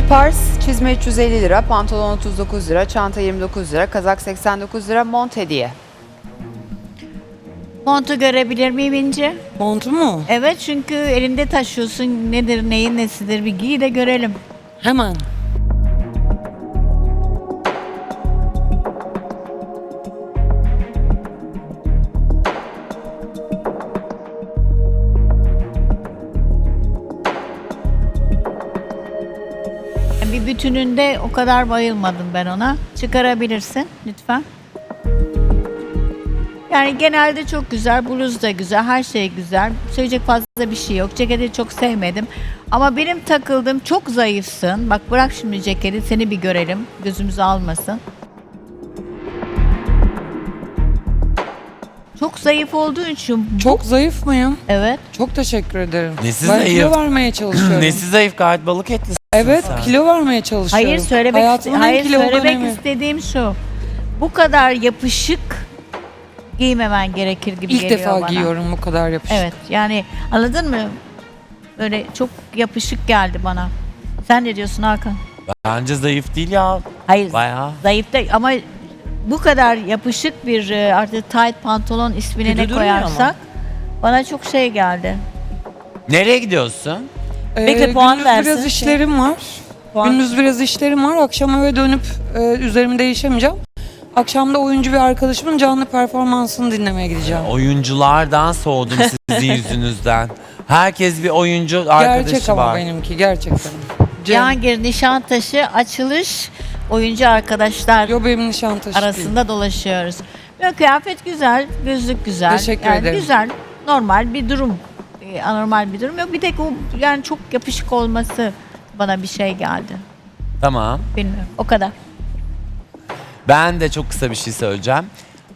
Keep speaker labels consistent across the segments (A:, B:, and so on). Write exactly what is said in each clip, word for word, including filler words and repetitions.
A: pars, çizme üç yüz elli lira, pantolon otuz dokuz lira, çanta yirmi dokuz lira, kazak seksen dokuz lira, mont hediye.
B: Montu görebilir miyim İnci?
C: Montu mu?
B: Evet, çünkü elinde taşıyorsun. Nedir, neyin nesidir, bir giy de görelim.
C: Hemen.
B: Bir bütününde o kadar bayılmadım ben ona. Çıkarabilirsin lütfen. Yani genelde çok güzel, bluz da güzel, her şey güzel. Söyleyecek fazla bir şey yok. Ceketi çok sevmedim. Ama benim takıldığım, çok zayıfsın. Bak bırak şimdi ceketi, seni bir görelim. Gözümüzü almasın. Çok zayıf olduğu için... bu-
C: Çok zayıf mıyım?
B: Evet.
C: Çok teşekkür ederim.
D: Nesi
C: ben
D: zayıf?
C: kilo vermeye çalışıyorum.
D: Nesi zayıf, gayet balık etlisin
C: Evet,
D: sen.
C: kilo vermeye çalışıyorum.
B: Hayır söylemek,
C: Hayatımın en
B: hayır,
C: kilolu
B: söylemek
C: dönemi.
B: istediğim şu. Bu kadar yapışık giymemen gerekir gibi
C: İlk
B: geliyor
C: defa
B: bana.
C: giyiyorum bu kadar yapışık.
B: Evet, yani anladın mı? Böyle çok yapışık geldi bana. Sen ne diyorsun Hakan?
D: Bence zayıf değil ya.
B: Hayır,
D: Bayağı.
B: zayıf da ama bu kadar yapışık bir e, artık tight pantolon ismine
E: Kötü
B: ne
E: durmuyor
B: koyarsak bana çok şey geldi.
D: Nereye gidiyorsun?
C: Ee,
E: Bekle, puan
C: gündüz
E: versin.
C: biraz işlerim var.
E: Puan-
C: Gündüz biraz işlerim var. Akşam eve dönüp e, üzerimi değişemeyeceğim. Akşam da oyuncu bir arkadaşımın canlı performansını dinlemeye gideceğim.
D: Oyunculardan soğudum sizin yüzünüzden. Herkes bir oyuncu arkadaşı
C: Gerçek ama
D: var.
C: benimki gerçekten. Cem.
B: Cihangir Nişantaşı açılış oyuncu arkadaşlar
C: Yo benim Nişantaşı değil.
B: arasında dolaşıyoruz. Ve kıyafet güzel, gözlük güzel.
C: Teşekkür
B: yani
C: ederim.
B: Güzel, normal bir durum. Ee, anormal bir durum yok. Bir tek o yani çok yapışık olması bana bir şey geldi.
D: Tamam.
B: Bilmiyorum. O kadar.
D: Ben de çok kısa bir şey söyleyeceğim.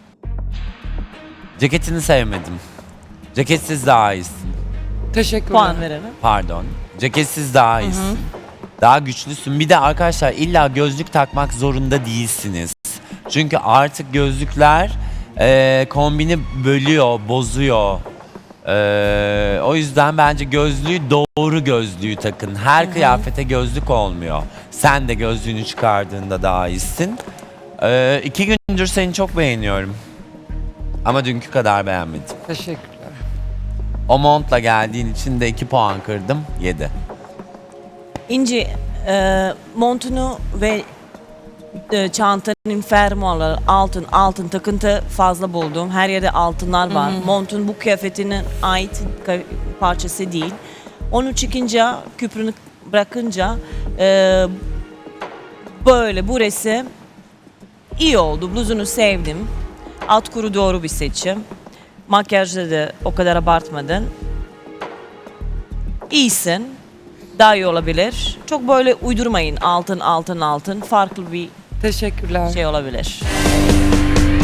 D: Ceketini sevmedim. Ceketsiz daha iyisin.
C: Teşekkürler.
E: Puan verelim.
D: Pardon. Ceketsiz daha iyisin. Daha güçlüsün. Bir de arkadaşlar illa gözlük takmak zorunda değilsiniz. Çünkü artık gözlükler eee, kombini bölüyor, bozuyor. Eee, o yüzden bence gözlüğü doğru gözlüğü takın. Her kıyafete gözlük olmuyor. Sen de gözlüğünü çıkardığında daha iyisin. Eee iki gündür seni çok beğeniyorum. Ama dünkü kadar beğenmedim.
C: Teşekkürler.
D: O montla geldiğin için de iki puan kırdım. yedi.
E: İnci, e, montunu ve e, çantanın fermuarları altın altın takıntı fazla buldum. Her yerde altınlar var. Montun bu kıyafetine ait ka- parçası değil. Onu çıkınca, küprünü bırakınca e, böyle burası iyi oldu. Bluzunu sevdim. Alt kuru doğru bir seçim. Makyajda da o kadar abartmadın. İyisin. Daha iyi olabilir. Çok böyle uydurmayın altın altın altın. Farklı bir
C: Teşekkürler.
E: şey olabilir.